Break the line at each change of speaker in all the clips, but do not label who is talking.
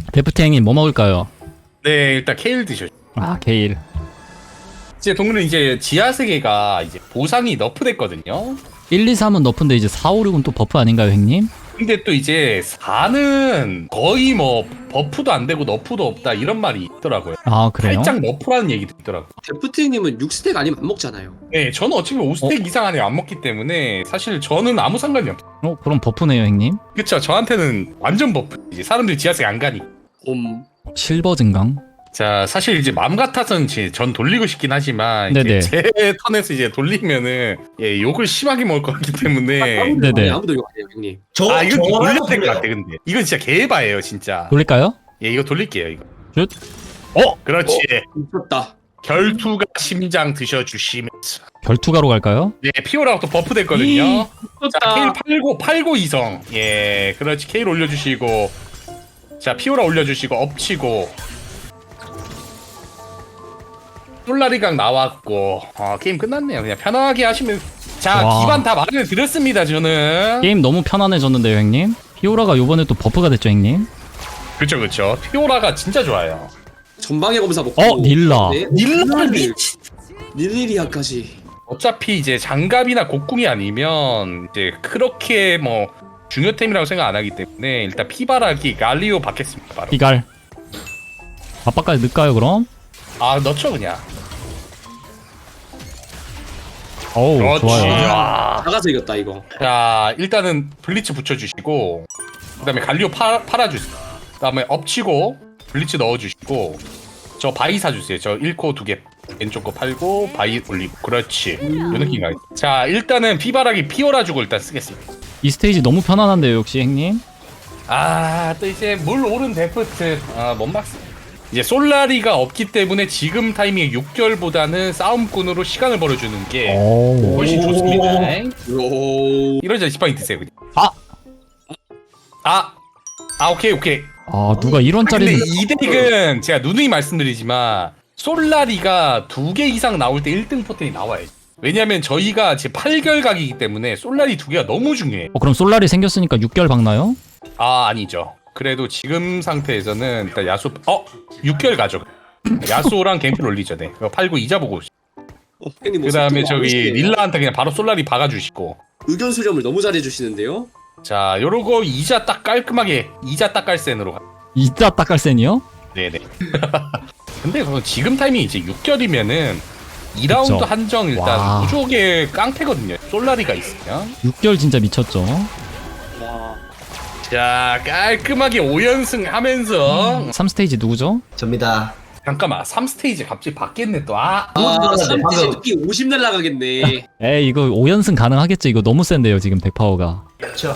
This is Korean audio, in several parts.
데프트 형님 뭐 먹을까요?
네, 일단 케일 드셔.
아 케일.
이제 동물은 이제 지하 세계가 이제 보상이 너프됐거든요.
1, 2, 3은 너프인데 이제 4, 5, 6은 또 버프 아닌가요 형님?
근데 또 이제 4는 거의 뭐 버프도 안 되고 너프도 없다 이런 말이 있더라고요.
아 그래요?
살짝 너프라는 얘기도 있더라고요.
데프트님은 6스택 아니면 안 먹잖아요.
네, 저는 어차피 5스택 이상 안에 안 먹기 때문에 사실 저는 아무 상관이 없어요.
그럼 버프네요 형님.
그쵸, 저한테는 완전 버프. 이제 사람들이 지하세계 안 가니.
실버 증강.
자, 사실 이제 마음 같아서는 전 돌리고 싶긴 하지만 이제
네네.
제 턴에서 이제 돌리면은 예, 욕을 심하게 먹을 것 같기 때문에
네네.
아무도 욕 안 해요, 형님.
이건 좀 돌려야 될 것
돌려요.
같아. 근데 이건 진짜 개바예요 진짜.
돌릴까요?
예, 이거 돌릴게요 이거.
슛.
그렇지.
미쳤다.
결투가 심장 드셔주시면서.
결투가로 갈까요?
예, 피오라가 또 버프 됐거든요. 자, 케일
미쳤다.
팔고 이성. 예, 그렇지. 케일 올려주시고. 자, 피오라 올려주시고 엎치고. 솔라리강 나왔고. 게임 끝났네요. 그냥 편하게 하시면. 자,
와.
기반 다 마련해 드렸습니다. 저는.
게임 너무 편안해졌는데요 형님. 피오라가 요번에 또 버프가 됐죠 형님.
그쵸. 피오라가 진짜 좋아요.
전방의 검사 먹고.
닐라.
네?
닐라를 미치.
닐리리아까지.
어차피 이제 장갑이나 곡궁이 아니면 이제 그렇게 뭐 중요템이라고 생각 안 하기 때문에 일단 피바라기 갈리오 받겠습니다. 바로.
피갈. 아빠까지 넣을까요 그럼?
넣죠 그냥.
어우
그렇지.
좋아요.
나가서 이겼다 이거.
자, 일단은 블리츠 붙여주시고 그다음에 갈리오 팔아주세요. 그다음에 엎치고 블리츠 넣어주시고 저 바이 사주세요. 저 1코 2개 왼쪽 거 팔고 바이 올리고. 그렇지. 요 느낌이. 자, 일단은 피바라기 피오라 주고 일단 쓰겠습니다.
이 스테이지 너무 편안한데요 역시 형님.
또 이제 물 오른 데프트 뭔 박스. 이제 솔라리가 없기 때문에 지금 타이밍에 6개월보다는 싸움꾼으로 시간을 벌어주는 게
오.
훨씬 좋습니다.
오.
이러자 지팡이 드세요 그냥. 오케이.
아 누가 이런
근데
짜리는.
이 덱은 제가 누누이 말씀드리지만 솔라리가 2개 이상 나올 때 1등 포텐이 나와요. 왜냐면 저희가 제 8개월 각이기 때문에 솔라리 2개가 너무 중요해요.
그럼 솔라리 생겼으니까 6개월 박나요?
아니죠. 그래도 지금 상태에서는 일단 야수 6개월 가죠. 야수랑 갱플 올리죠. 네. 그거 팔고 이자 보고.
형님
그 다음에 저기 릴라한테 그냥 바로 솔라리 박아주시고.
의견 수렴을 너무 잘해주시는데요.
자, 요러고 이자 딱 깔끔하게 이자 딱 깔센으로 가.
이자 딱갈센이요?
네네. 근데 그거 지금 타이밍이 이제 6개월이면은 2라운드
그쵸.
한정 일단
와.
무조게 깡패거든요. 솔라리가 있으면.
6개월 진짜 미쳤죠.
와.
자, 깔끔하게 5연승 하면서
3스테이지 누구죠?
접니다.
잠깐만 3스테이지 갑자기 바뀌었네 또.
3스테이지 특히 50 날라가겠네.
에이 이거 5연승 가능하겠죠. 이거 너무 센데요 지금 덱파워가.
그렇죠.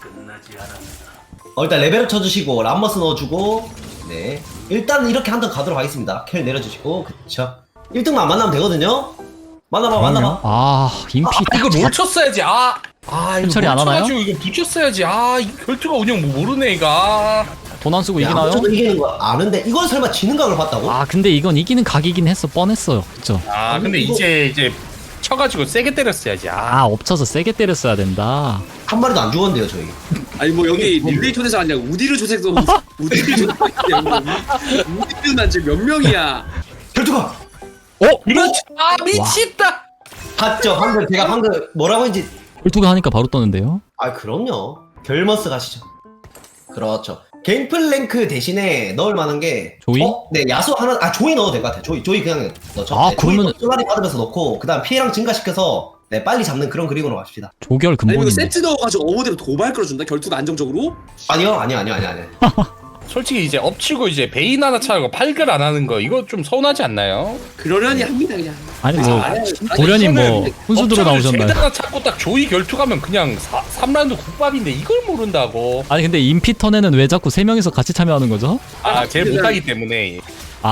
일단 레벨업 쳐주시고 람머스 넣어주고 네 일단 이렇게 한 턴 가도록 하겠습니다. 켈 내려주시고 그쵸. 1등만 만나면 되거든요. 만나봐.
인피
이거 롤 쳤어야지. 이거
처리 안 하나요?
쳐가지고 이거 붙였어야지. 이거 결투가 운영 뭐 모르네 이거.
돈 안 쓰고
야,
이기나요?
저도 이기는 거 아는데 이건 설마 지는 각을 봤다고?
근데 이건 이기는 각이긴 했어. 뻔했어요. 그쵸?
근데
이거-
이제 쳐가지고 세게 때렸어야지.
엎쳐서 세게 때렸어야 된다.
한 마리도 안 죽었는데요 저희.
아니 뭐 여기 릴레이 초대서 아니라 우디르 조색도 우디르 조색도 우디르 난 지금 몇 명이야.
결투가
그렇지. 미친다.
봤죠? 방금 제가 방금 뭐라고 했는지.
홀투가 하니까 바로 떴는데요.
그럼요. 결머스 가시죠. 그렇죠. 갱플랭크 대신에 넣을 만한 게
조이?
네 야수 하나 조이 넣어도 될 것 같아요. 조이 그냥 넣죠. 네,
그러면은-
조이 받으면서 넣고 그다음 피해량 증가시켜서 네 빨리 잡는 그런 그림으로 갑시다.
조결
아니 이거
근본인데.
세트 넣어가지고 어머대로 도발 끌어준다. 결투가 안정적으로.
아니요.
솔직히 이제 엎치고 이제 베인 하나 차고 8결 안 하는 거 이거 좀 서운하지 않나요?
그러려니 합니다 그냥.
아니 뭐
아니,
고려님
이거는
뭐 훈수들어
엎쳐가지고
나오셨나요?
제드 하나 찾고 딱 조이 결투 가면 그냥 3라운드 국밥인데 이걸 모른다고.
아니 근데 인피 턴에는 왜 자꾸 3명이서 같이 참여하는 거죠?
제일 못하기 때문에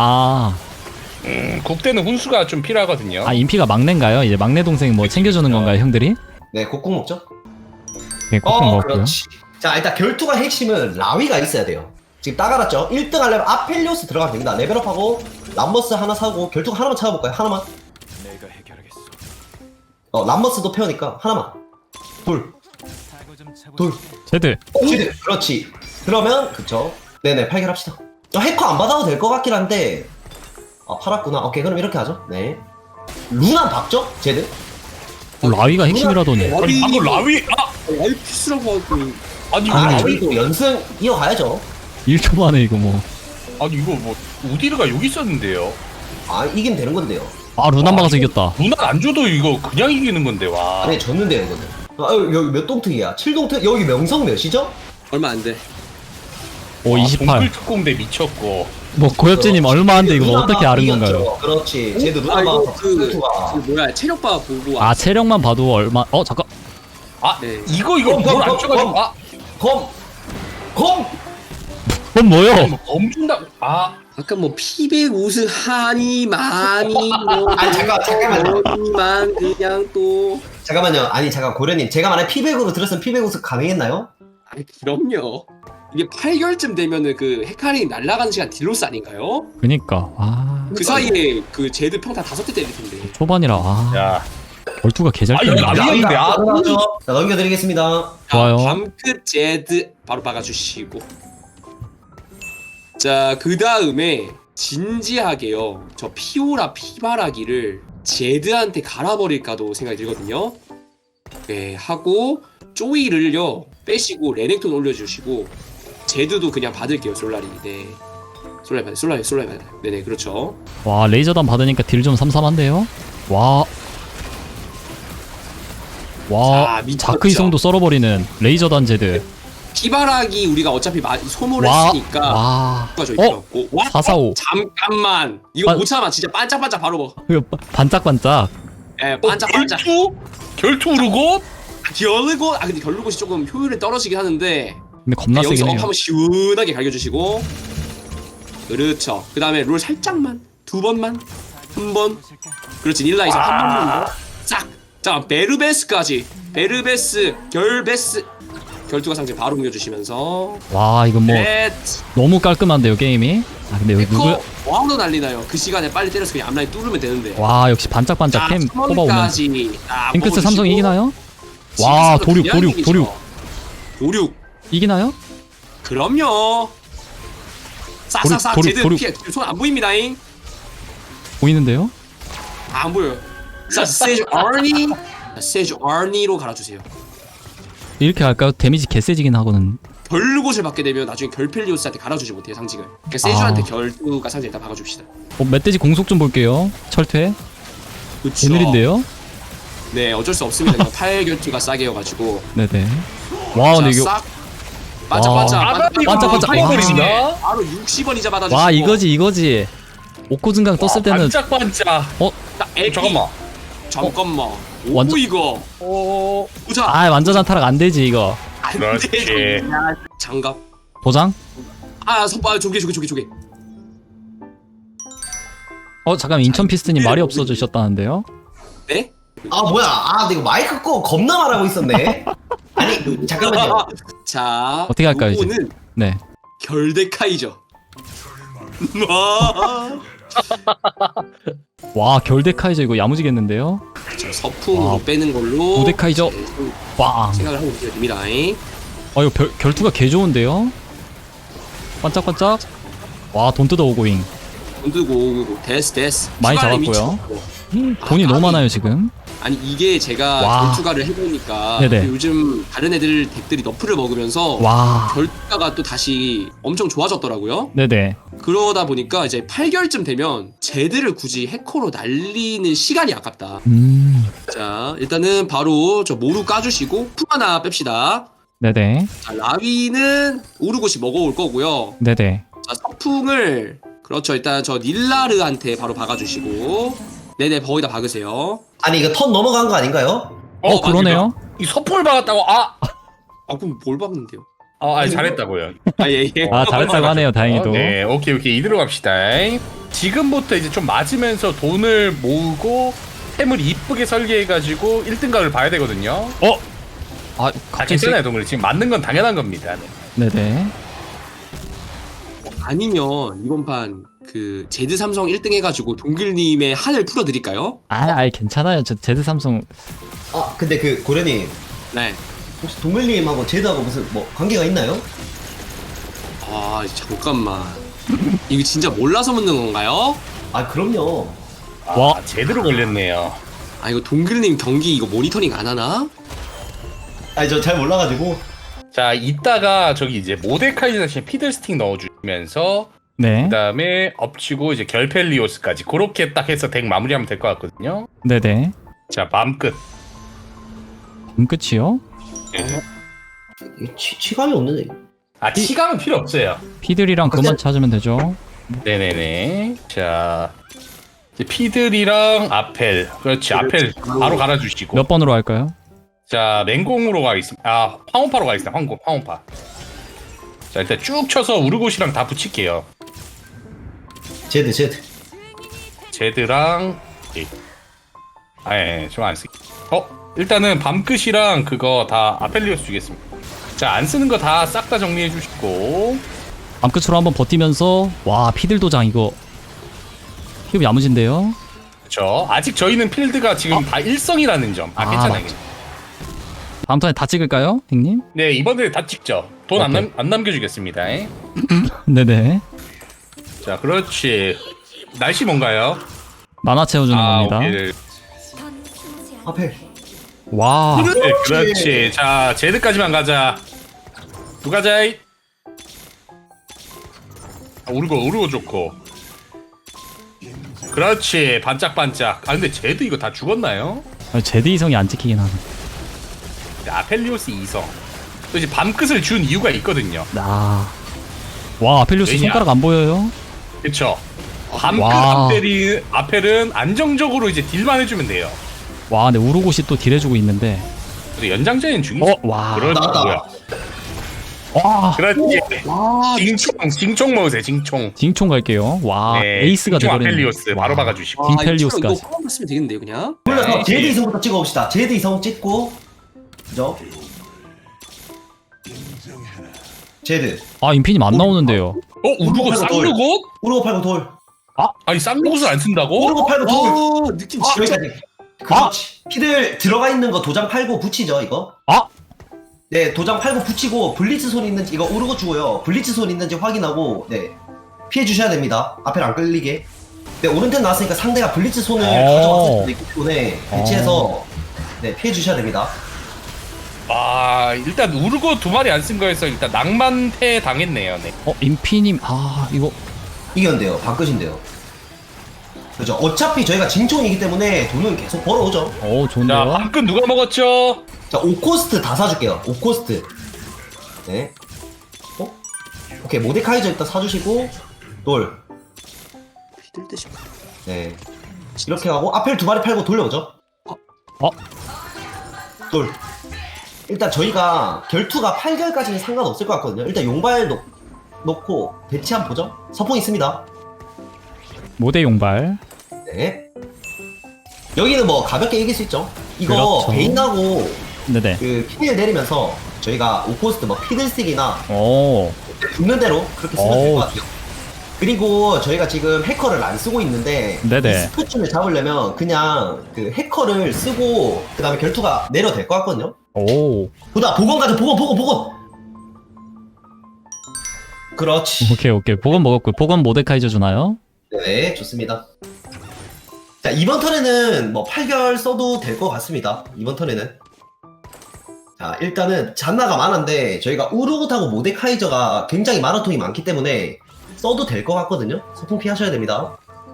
국대는 훈수가 좀 필요하거든요.
인피가 막내인가요? 이제 막내 동생 뭐 챙겨주는 건가요 형들이?
네 곡국 먹죠.
네, 꼭 먹고요.
그렇지. 자 일단 결투가 핵심은 라위가 있어야 돼요. 지금 딱 알았죠? 1등 하려면 아펠리오스 들어가면 됩니다. 레벨업하고 람버스 하나 사고 결투가 하나만 찾아볼까요? 하나만. 람버스도 페어니까 하나만. 둘.
제드.
그렇지. 그러면 그쵸. 네네 8결합시다. 해커 안 받아도 될 것 같긴 한데. 아, 팔았구나. 오케이, 그럼 이렇게 하죠. 네. 루나 박죠? 제드?
라위가 핵심이라더니.
아니 방금 라위
라이 피스라고 하고.
아니 이거
아,
라위
저희도 연승 이어가야죠.
1초 만에 이거 뭐.
아니 이거 뭐 우디르가 여기 있었는데요.
아, 이기면 되는 건데요.
아, 루난 박아서 이겼다.
누나 안 줘도 이거 그냥 이기는 건데 와.
아니, 졌는데요, 이거는. 아, 여기 몇 동특이야? 7동특? 여기 명성 몇이죠?
얼마 안 돼.
오, 28.
동굴 특공대 미쳤고.
뭐, 고엽진님 얼마 안 돼, 이거
루나
어떻게
박
아는
이겼죠.
건가요?
그렇지. 쟤도 루나
아, 이거
박아서
그
투가.
뭐야 체력바 보고.
아, 체력만 봐도 얼마, 잠깐.
아
네.
이거
검, 검,
뭘안
검,
줘가지고
검. 검!
그건 뭐요?
검준다. 아
아까 뭐 피백 우승 하니 많이 뭐
아니, 잠깐만요.
만 그냥 또.
잠깐만요. 아니, 잠깐, 고려님. 제가 만약 피백으로 들었으면 피백 우승 가능했나요?
아니 그럼요. 이게 8개월쯤 되면은 그 헤카리 날아가는 시간 딜로스 아닌가요?
그니까,
그 사이에 그 제드 평타 5대 때릴 텐데.
초반이라,
야.
벌투가 개잘
아, 이거
뛰네.
라위- 아니었는데, 아.
가능하죠. 자, 넘겨드리겠습니다.
좋아요.
밤끝 제드 바로 박아주시고. 자, 그 다음에 진지하게요. 저 피오라 피바라기를 제드한테 갈아버릴까도 생각이 들거든요. 네, 하고 쪼이를요 빼시고 레넥톤 올려주시고 제드도 그냥 받을게요. 솔라리. 네. 솔라리 받아요. 네네, 그렇죠.
와, 레이저단 받으니까 딜 좀 삼삼한데요? 와. 와,
자, 미쳤죠.
자크 이성도 썰어버리는 레이저단 제드.
피바라기 우리가 어차피 소모를
와,
했으니까
와.
저희
어?
들어갔고. 와,
445.
잠깐만. 이거
아.
못 참아. 진짜 반짝반짝 바로 먹어.
이거 반짝반짝.
예, 반짝반짝.
결투 우르고
결르고 근데 결르고이 조금 효율이 떨어지긴 하는데
근데 겁나
여기서
세긴
업
해요.
한번 시원하게 갈겨주시고 그렇죠. 그 다음에 롤 살짝만 2번만 1번 그렇지. 닐라에서 한 번만 싹. 자 베르베스까지 베르베스 결베스 결투가 상징 바로 옮겨주시면서
와, 이건 뭐
넷
너무 깔끔한데요, 게임이. 아, 근데 여기 누구?
에코 와우도 난리나요. 그 시간에 빨리 때려서 그냥 앞라인 뚫으면 되는데.
와, 역시 반짝반짝 캠 뽑아오면.
삼원까지 딱
핑크스 삼성
뽑아주시고.
이기나요? 와,
징크스도
도륙.
도륙
이기나요?
그럼요. 싹싹싹
도륙,
제드
도륙.
피해. 손 안 보입니다잉.
보이는데요?
안 보여요. 자 세주 아니 세주 아니로 갈아주세요.
이렇게 할까요? 데미지 개세지긴 하고는.
결곳을 받게 되면 나중에 결펠리오스한테 갈아주지 못해요 상징을. 그러니까 세주한테
아.
결투가 상징 일단 박아줍시다.
멧돼지 공속 좀 볼게요. 철퇴.
그쵸.
오늘인데요?
네 어쩔 수 없습니다. 이거 8결투가 싸게여가지고.
네네. 와, 근데 이거.
싹 반짝반짝
반짝반짝. 와.
바로 60원 이자 받아주시고.
와, 이거지. 옥고증강 떴을 때는.
반짝반짝.
딱 에피. 잠깐만. 오
완전-
이거. 보자.
아, 완전한 타락 안 되지, 이거.
안
그렇지.
돼. 장갑.
도장?
조개.
잠깐, 인천 피스트님 말이 없어지셨다는데요?
네?
아, 뭐야. 아, 근데 이거 마이크 끄고 겁나 말하고 있었네. 아니, 잠깐만요.
자.
어떻게 할까요, 이제?
요거는
네.
결대카이죠.
와, 결대카이저 이거 야무지겠는데요?
자, 서풍으로
와.
빼는 걸로.
고데카이저.
네,
빵.
생각을 하고 계셔야 됩니다.
이거 결투가 개 좋은데요? 반짝반짝. 와, 돈 뜯어오고잉.
돈 들고 데스.
많이
추가를
잡았고요.
미쳤고.
돈이 너무
아니,
많아요, 지금.
아니 이게 제가
와.
결투가를 해보니까
네네.
요즘 다른 애들 덱들이 너프를 먹으면서
와.
결투가가 또 다시 엄청 좋아졌더라고요.
네네.
그러다 보니까 이제 8개월쯤 되면 제드를 굳이 해커로 날리는 시간이 아깝다. 자 일단은 바로 저 모루 까주시고 품 하나 뺍시다.
네네.
자 라위는 오르고시 먹어올 거고요.
네네.
자 서풍을 그렇죠. 일단 저 닐라르한테 바로 박아주시고 네네 거기다 박으세요.
아니, 이거 턴 넘어간 거 아닌가요?
그러네요.
이 서폴 박았다고
그럼 뭘 박는데요?
아니 잘했다고요.
예.
아, 잘했다고 하네요, 다행히도.
네, 오케이 이대로 갑시다. 지금부터 이제 좀 맞으면서 돈을 모으고 템을 이쁘게 설계해가지고 1등각을 봐야 되거든요.
아, 갑자기.
괜찮아요, 동물. 지금 맞는 건 당연한 겁니다. 네.
네네.
아니면 이번 판 그 제드 삼성 1등 해가지고 동글님의 한을 풀어드릴까요?
아이, 괜찮아요. 저 제드 삼성.
아, 근데 그, 고려님.
네.
혹시 동글님하고 제드하고 무슨, 뭐, 관계가 있나요?
아 잠깐만. 이거 진짜 몰라서 묻는 건가요?
아 그럼요.
와.
제대로 걸렸네요.
아 이거 동글님 경기 이거 모니터링 안 하나?
아니 저 잘 몰라가지고.
자, 이따가 저기 이제 모데카이저 대신 피들스틱 넣어주면서
네.
그다음에 엎치고 이제 결펠리오스까지 그렇게 딱 해서 덱 마무리하면 될 것 같거든요.
네네.
자, 밤끝.
끝이요?
이게 치감이 없는데.
아, 치감은 필요 없어요.
피들이랑 그만 찾으면 되죠.
네네네. 자, 이제 피들이랑 아펠. 그렇지, 아펠 바로 갈아주시고.
몇 번으로 할까요?
자, 맹공으로 가겠습니다. 아, 황혼파로 가겠습니다. 황혼파. 자, 일단 쭉 쳐서 우르고시랑 다 붙일게요.
제드.
제드랑 좀 안 쓰기. 일단은 밤끝이랑 그거 다 아펠리오스 주겠습니다. 자, 안 쓰는 거 다 싹 다 정리해 주시고.
암끝으로 한번 버티면서 와 피들 도장 이거 힘 야무진데요.
그쵸. 아직 저희는 필드가 지금 다 일성이라는 점.
아,
괜찮아요.
맞죠. 다음 턴에 다 찍을까요, 형님?
네, 이번에 다 찍죠. 돈
오케이.
안 남겨주겠습니다.
네네.
자, 그렇지. 날씨 뭔가요?
만화 채워주는 겁니다.
오케이.
앞에.
와.
네, 그렇지. 자, 제드까지만 가자. 누가 자이? 우르고 좋고. 그렇지. 반짝반짝. 아, 근데 제드 이거 다 죽었나요?
제드 이성이 안 찍히긴 하네.
아펠리오스 2성. 또 이제 밤끝을 준 이유가 있거든요.
와 아펠리오스
왜냐?
손가락 안 보여요?
그쵸? 밤끝
와.
아펠은 안정적으로 이제 딜만 해주면 돼요.
와 근데 우르고시 또 딜해주고 있는데.
그래서 연장전엔 중이죠.
와.
그렇지.
나왔다.
뭐야.
와.
그렇지.
와
징총 먹으세요. 징총.
징총 갈게요. 와
네,
에이스가
징총
돼버리네.
아펠리오스 바로 박아주시고.
딩펠리오스까지.
이거 포함 봤으면 되겠는데요 그냥?
불러서
네.
제드 이성부터 찍어봅시다. 제드 이성 찍고. 그죠? 제드.
아 인피님 안 나오는데요.
우르고 쌍르고?
우르고 팔고 돌.
아니 쌍르고를 안 쓴다고?
우르고 팔고 돌.
와 느낌 진짜
여기까지. 그렇지. 피들 들어가 있는 거 도장 팔고 붙이죠 이거. 네, 도장 팔고 붙이고 블리츠 손 있는지 이거 우르고 주고요. 블리츠 손 있는지 확인하고 네 피해 주셔야 됩니다. 앞에 안 끌리게. 네, 오른쪽 나왔으니까 상대가 블리츠 손을 가져왔을 수도 있기 때문에 배치해서 네 피해 주셔야 됩니다.
아, 일단 우르고 2마리 안 쓴 거에서 일단 낭만패 당했네요. 네.
인피님 이거
이겼는데요. 바꾸신데요. 그죠. 어차피 저희가 징총이기 때문에 돈은 계속 벌어오죠.
자,
좋은데요.
밤끝 누가 먹었죠?
자, 5코스트 다 사줄게요. 5코스트. 네. 오케이, 모데카이저 일단 사주시고, 돌.
피들 듯이
네. 이렇게 하고, 아펠 2마리 팔고 돌려오죠. 돌. 일단 저희가 결투가 8결까지는 상관없을 것 같거든요. 일단 용발 놓고 배치 한번 보죠. 서풍 있습니다.
모대 용발.
네. 여기는 뭐 가볍게 이길 수 있죠. 이거
그렇죠.
베인하고
네네.
그 피를 내리면서 저희가 5코스트 뭐 피들스틱이나
오.
붙는 대로 그렇게 쓰면 될 것 같아요. 그리고 저희가 지금 해커를 안 쓰고 있는데
네네.
이 스포츠를 잡으려면 그냥 그 해커를 쓰고 그 다음에 결투가 내려도 될 것 같거든요.
오.
보다 보건 가자. 보건. 그렇지.
오케이. 보건 먹었고 보건 모데카이저 주나요?
네, 좋습니다. 자, 이번 턴에는 뭐 8결 써도 될 것 같습니다. 이번 턴에는. 자, 일단은 잔나가 많은데 저희가 우르고타고 모데카이저가 굉장히 마라톤이 많기 때문에 써도 될 것 같거든요. 소풍 피하셔야 됩니다.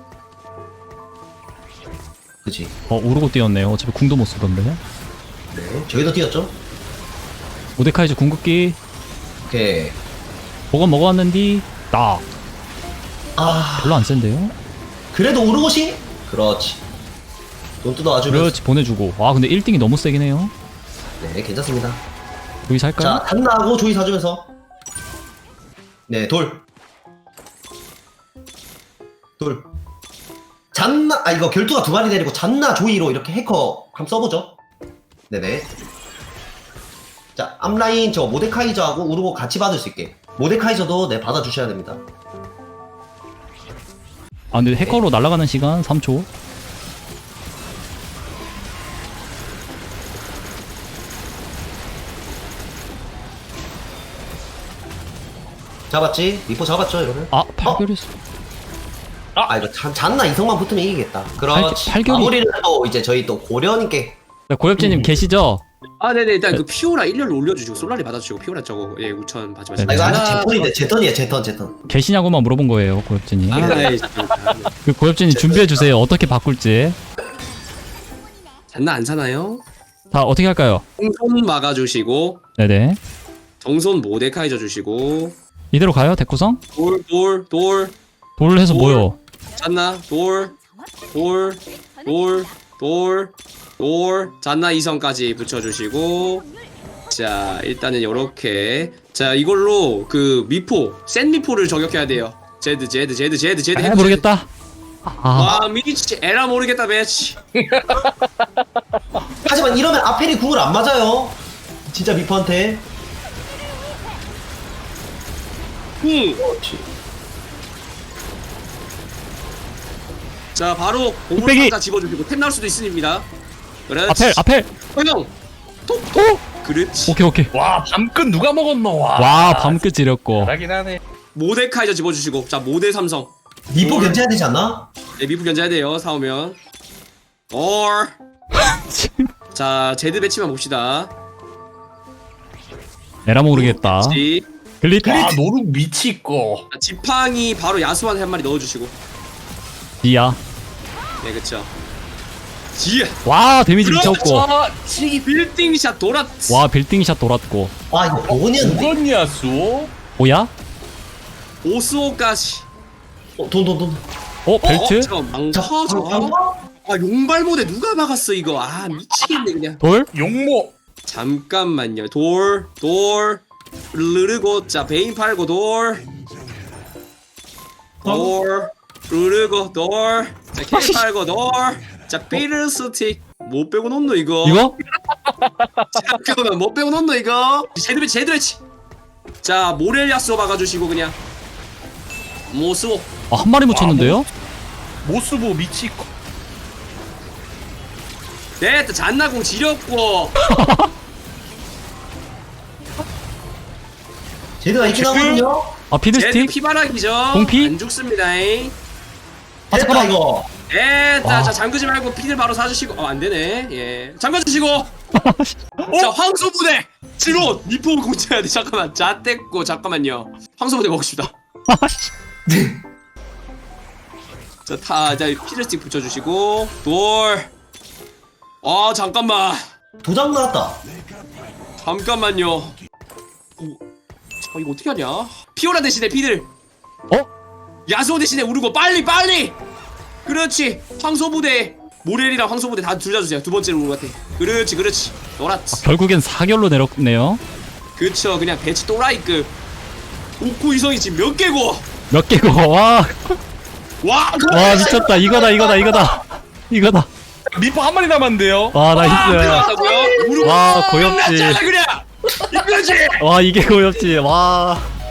그치.
우르고 뛰었네요. 어차피 궁도 못 쓰던데.
네, 저희도 뛰었죠.
모데카이저 궁극기
오케이.
보건 먹어왔는디 나
아,
별로 안 센데요?
그래도 우르고시? 그렇지. 돈 뜯어와주면서.
그렇지 보내주고. 근데 1등이 너무 세긴 해요.
네, 괜찮습니다.
여기 살까요?
자, 잔나하고 조이 사주면서. 네, 돌. 잔나, 이거 결투가 2마리 내리고 잔나 조이로 이렇게 해커 한번 써보죠. 네네. 자, 앞라인 저 모데카이저하고 우르고 같이 받을 수 있게. 모데카이저도 네, 받아주셔야 됩니다.
근데 해커로 날아가는 시간 3초.
잡았지? 미포 잡았죠 이러면?
아, 팔결했어.
아 이거 잔나 이성만 붙으면 이기겠다. 그렇지.
팔결이-
마무리는 또 이제 저희 또 고려님께.
고엽진님 계시죠?
아 네네 일단 그 피오라 1렬로 올려주시고 솔라리 받아주시고 피오라 저거 예 우천
네,
받지
아 이거 아직
마시고.
제턴인데 제턴이에요 제턴.
계시냐고만 물어본 거예요, 고엽진이.
아이
그 고엽진이 준비해 주세요. 어떻게 바꿀지.
잔나 안 사나요?
자, 어떻게 할까요?
정손 막아주시고
네네.
정손 모데카이저 주시고
이대로 가요, 대구성?
돌
돌 해서
돌.
뭐요?
잔나 돌 잔나 2성까지 붙여주시고 자 일단은 요렇게 자 이걸로 그 미포 센 미포를 저격해야 돼요. 제드
아, 모르겠다. 아,
와 미치 에라 모르겠다 매치.
하지만 이러면 아펠이 궁을 안 맞아요. 진짜 미포한테. 그렇지.
자 바로
뚝배기.
보물 다 집어주시고 템 나올 수도 있습니다. 그렇지.
아펠.
형 톡톡 그렇지.
오케이.
와 밤끝 누가 먹었노?
와, 밤끝 지렸고.
잘하긴 하네.
모데카이저 집어주시고 자 모데 삼성
미포
돌.
견제해야 되지 않나?
네, 미프 견제해야 돼요 사오면 or 자 제드 배치만 봅시다.
에라 모르겠다.
지
글리트.
와 노룩 미치고.
자, 지팡이 바로 야수한 한 마리 넣어주시고
지야.
네 그쵸 지야
와, 데미지 미쳤고.
지
빌딩샷 돌았지.
와, 빌딩샷 돌았고.
아 이거 보건이었는데.
누구냐 수?
뭐야?
오스오까지
돈.
벨트?
잠깐 망쳐져. 아 용발모대 누가 막았어 이거. 아 미치겠네 그냥.
돌?
용모.
잠깐만요. 돌 르르고 자 베인 팔고 돌 르르고 돌자캐 팔고 돌자 삐르 스틱 못 빼고 놓노 이거.
이거?
잠깐만 못 빼고 놓노 이거. 제드 배치. 자 모렐리아스 박아주시고 그냥 모스오.
아, 한 마리 묻혔는데요?
모스보 미치고.
네, 또 잔나공 지렸고.
제드가 있긴 하거든요.
아,
제드
피드스틱?
피바락이죠.
공피?
안 죽습니다.
아,
됐다
잠깐만.
이거.
네,
와.
자 잠그지 말고 피들 바로 사주시고. 안 되네. 예, 잠가주시고. 자 황소부대 지로 니포 공채해야 돼. 잠깐만. 자 뗐고 잠깐만요. 황소부대 먹읍시다. 자 피들스틱 붙여주시고 돌. 아 잠깐만.
도장 나왔다.
잠깐만요. 이거 어떻게 하냐? 피오라 대신에 피들. 야수호 대신에 우르고 빨리. 그렇지. 황소부대 모렐이랑 황소부대 다 둘 다 주세요. 두 번째로 우르고 같아. 그렇지. 노랗지.
결국엔 4결로 내렸네요.
그쵸. 그냥 배치 또라이급. 오코 이성이 지금 몇 개고?
몇 개고, 와.
와
미쳤다. 이거다.
미포 한 마리 남았는데요.
와, 나이스.
들어갔다고요? 우르고
와, 고엽지.
끝났잖아 그냥. 이거지.
와, 이게 고엽지. 와.